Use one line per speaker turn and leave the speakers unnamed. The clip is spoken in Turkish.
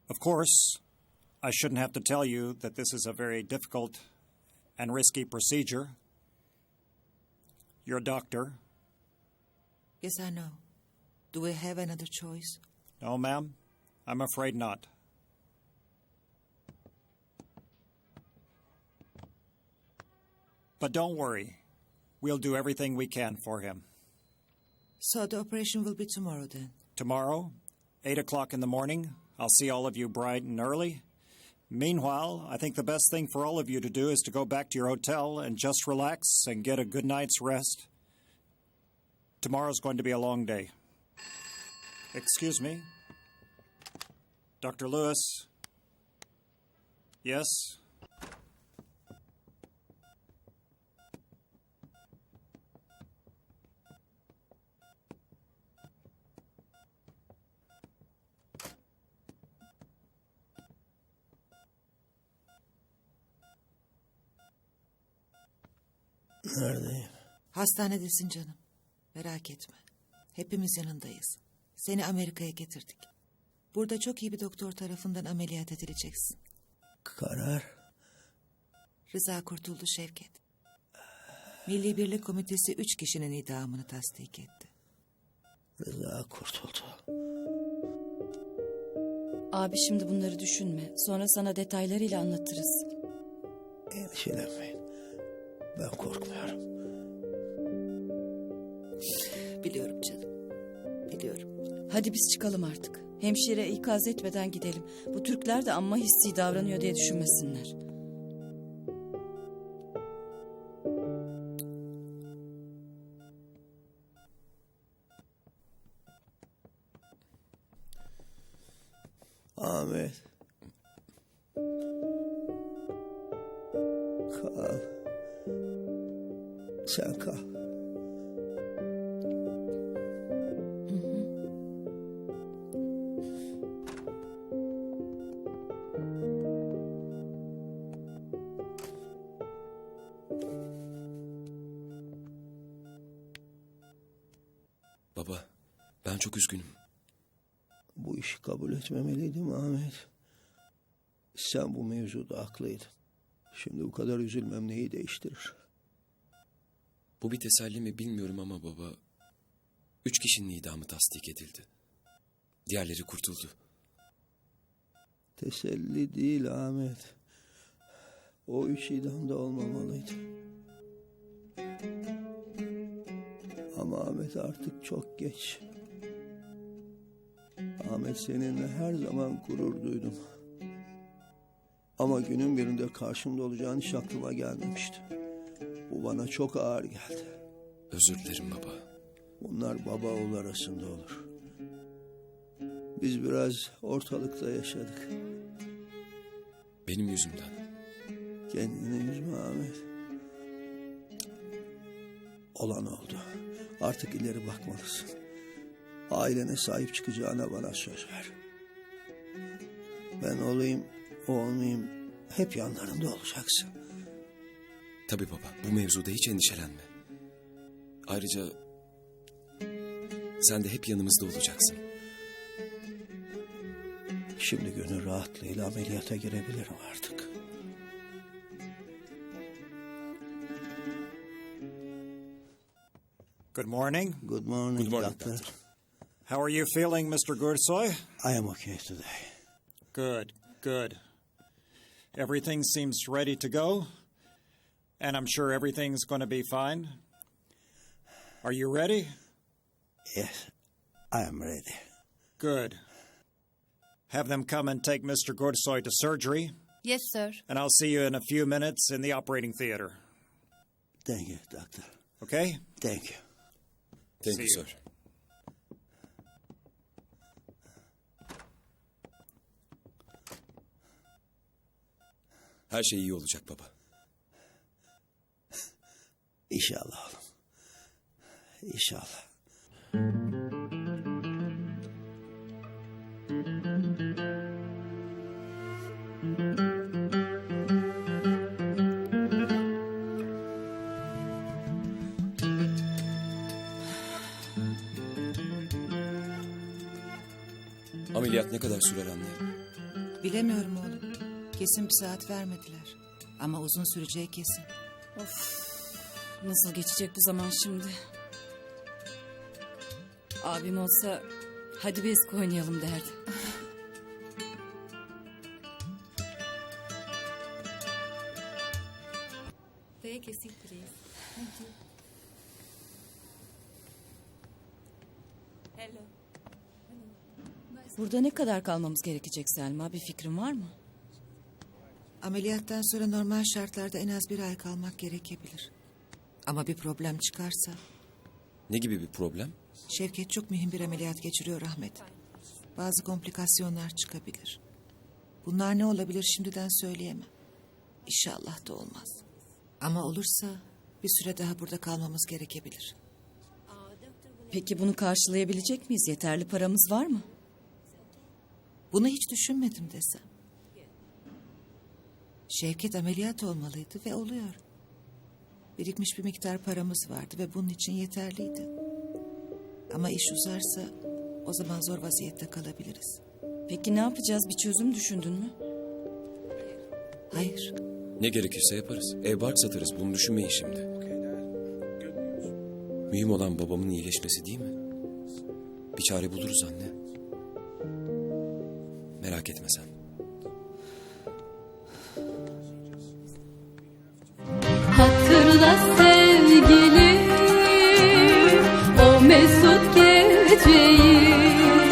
Of course, I shouldn't have to tell you that this is a very difficult and risky procedure. You're a doctor.
Yes, I know. Do we have another choice?
No, ma'am. I'm afraid not. But don't worry. We'll do everything we can for him.
So the operation will be tomorrow then?
Tomorrow, 8 o'clock in the morning, I'll see all of you bright and early. Meanwhile, I think the best thing for all of you to do is to go back to your hotel and just relax and get a good night's rest. Tomorrow's going to be a long day. Excuse me? Dr. Lewis? Yes?
Neredeyim?
Hastanedesin canım. Merak etme. Hepimiz yanındayız. Seni Amerika'ya getirdik. Burada çok iyi bir doktor tarafından ameliyat edileceksin.
Karar?
Rıza kurtuldu Şevket. Milli Birlik Komitesi 3 kişinin idamını tasdik etti.
Rıza kurtuldu.
Abi şimdi bunları düşünme. Sonra sana detaylarıyla anlatırız.
Endişelenmeyin. Ben korkmuyorum.
Biliyorum canım. Biliyorum.
Hadi biz çıkalım artık. Hemşire ikaz etmeden gidelim. Bu Türkler de amma hissi davranıyor diye düşünmesinler.
Ahmet. Kal. Sen kal.
Baba, ben çok üzgünüm.
Bu işi kabul etmemeliydim Ahmet. Sen bu mevzuda haklıydın. Şimdi bu kadar üzülmem neyi değiştirir?
Bu bir teselli mi bilmiyorum ama baba... 3 kişinin idamı tasdik edildi. Diğerleri kurtuldu.
Teselli değil Ahmet. O 3 idamda olmamalıydı. Ama Ahmet artık çok geç. Ahmet seninle her zaman gurur duydum. Ama günün birinde karşımda olacağın hiç aklıma gelmemişti. Bu bana çok ağır geldi.
Özür dilerim baba.
Bunlar baba oğul arasında olur. Biz biraz ortalıkta yaşadık.
Benim yüzümden.
Kendini üzme Ahmet. Olan oldu. Artık ileri bakmalısın. Ailene sahip çıkacağına bana söz ver. Ben olayım, o olmayayım, hep yanlarında olacaksın.
Tabii baba, bu mevzuda hiç endişelenme. Ayrıca... sen de hep yanımızda olacaksın.
Şimdi gönül rahatlığıyla ameliyata girebilirim artık.
Good morning.
Good morning,
Good morning,
doctor.
doctor.
How are you feeling, Mr. Gursoy?
I am okay today.
Good, good. Everything seems ready to go, and I'm sure everything's going to be fine. Are you ready?
Yes, I am ready.
Good. Have them come and take Mr. Gursoy to surgery,
Yes, sir.
and I'll see you in a few minutes in the operating theater.
Thank you, doctor.
Okay?
Thank you.
Thank
See
you,
you.
sir. Her şey iyi olacak baba.
İnşallah oğlum. İnşallah.
Ameliyat ne kadar sürer anne?
Bilemiyorum oğlum. Kesin bir saat vermediler. Ama uzun süreceği kesin.
Nasıl geçecek bu zaman şimdi? Abim olsa hadi biz oynayalım derdi.
Take a seat, please. Thank you. Hello.
Burada ne kadar kalmamız gerekecek Selma? Bir fikrin var mı?
Ameliyattan sonra normal şartlarda en az 1 ay kalmak gerekebilir. Ama bir problem çıkarsa...
Ne gibi bir problem?
Şevket çok mühim bir ameliyat geçiriyor Ahmet. Bazı komplikasyonlar çıkabilir. Bunlar ne olabilir şimdiden söyleyemem. İnşallah da olmaz. Ama olursa bir süre daha burada kalmamız gerekebilir.
Peki bunu karşılayabilecek miyiz? Yeterli paramız var mı?
Bunu hiç düşünmedim desem. Şevket ameliyat olmalıydı ve oluyor. Birikmiş bir miktar paramız vardı ve bunun için yeterliydi. Ama iş uzarsa o zaman zor vaziyette kalabiliriz.
Peki ne yapacağız? Bir çözüm düşündün mü?
Hayır,
Ne gerekirse yaparız. Ev bark satarız. Bunu düşünmeyin şimdi. Mühim olan babamın iyileşmesi değil mi? Bir çare buluruz anne. Merak etme sen.
Hatırla sevgilim o mesut geceyi.